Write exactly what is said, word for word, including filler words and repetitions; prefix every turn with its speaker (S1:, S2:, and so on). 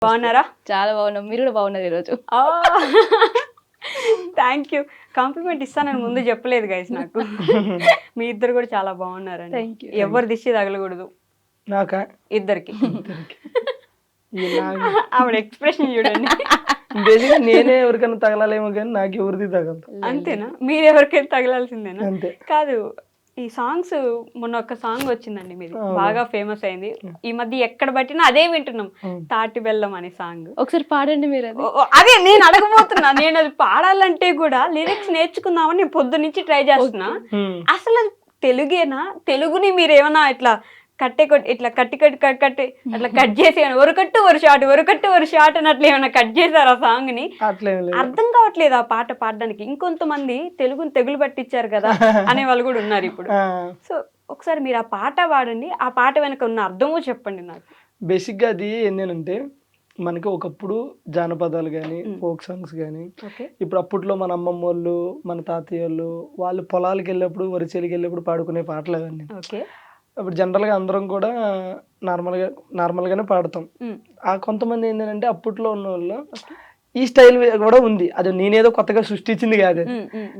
S1: బాగున్నారా?
S2: చాలా బాగున్నాం. మీరు కూడా బాగున్నారు ఈరోజు.
S1: Thank you. కాంప్లిమెంట్ ఇస్తానని ముందు చెప్పలేదు గైస్ నాకు. మీ ఇద్దరు కూడా చాలా బాగున్నారండి.
S2: Thank you.
S1: ఎవరి దిష్టి తగలకూడదు
S3: నాకా
S1: ఇద్దరికి.
S3: ఇలా
S1: ఆవిడ ఎక్స్ప్రెషన్ చూడండి.
S3: బేసిక్గా నేనే ఎవరికైనా తగలాలేమో కానీ నాకు ఎవరిది తగలదు.
S1: అంతేనా? మీరు ఎవరికైనా తగలాల్సిందేనా?
S3: అంతే.
S1: కాదు, ఈ సాంగ్స్ మొన్న ఒక సాంగ్ వచ్చిందండి మీది, బాగా ఫేమస్ అయింది. ఈ మధ్య ఎక్కడ పట్టినా అదే వింటున్నాం, తాటి బెల్లం అనే సాంగ్.
S2: ఒకసారి పాడండి మీరు అది.
S1: ఓ, అదే నేను అడగబోతున్నా. నేను అది పాడాలంటే కూడా లిరిక్స్ నేర్చుకుందామని నేను పొద్దు నుంచి ట్రై చేస్తున్నా. అసలు అది తెలుగేనా? తెలుగుని మీరు ఏమన్నా ఇట్లా కట్టే కొట్టి ఇట్లా కట్టి కట్టి కట్ కట్టి అట్లా కట్ చేసి ఒక కట్టు ఒక షాట్ ఒక కట్టు ఒక షాట్ అని అట్లా ఏమైనా కట్ చేశారు ఆ సాంగ్ ని? అర్థం కావట్లేదు ఆ పాట పాడడానికి. ఇంకొంతమంది తెలుగుని తెగులు పట్టించారు కదా అనే వాళ్ళు కూడా ఉన్నారు ఇప్పుడు. సో ఒకసారి మీరు ఆ పాట పాడండి, ఆ పాట వెనక ఉన్న అర్థమో చెప్పండి నాకు.
S3: బేసిక్గా అది ఏంటంటే మనకి ఒకప్పుడు జానపదాలు కానీ ఫోక్ సాంగ్స్ కానీ, ఇప్పుడు అప్పట్లో మన అమ్మమ్మ వాళ్ళు మన తాతయ్య వాళ్ళు వాళ్ళు పొలాలకు వెళ్ళినప్పుడు వరిచేలికి వెళ్ళినప్పుడు పాడుకునే పాటలు అవన్నీ.
S1: ఓకే.
S3: ఇప్పుడు జనరల్గా అందరం కూడా నార్మల్గా నార్మల్గానే పాడతాం. ఆ కొంతమంది ఏంటంటే అప్పట్లో ఉన్న వాళ్ళు ఈ స్టైల్ కూడా ఉంది, అది నేనేదో కొత్తగా సృష్టించింది కాదు.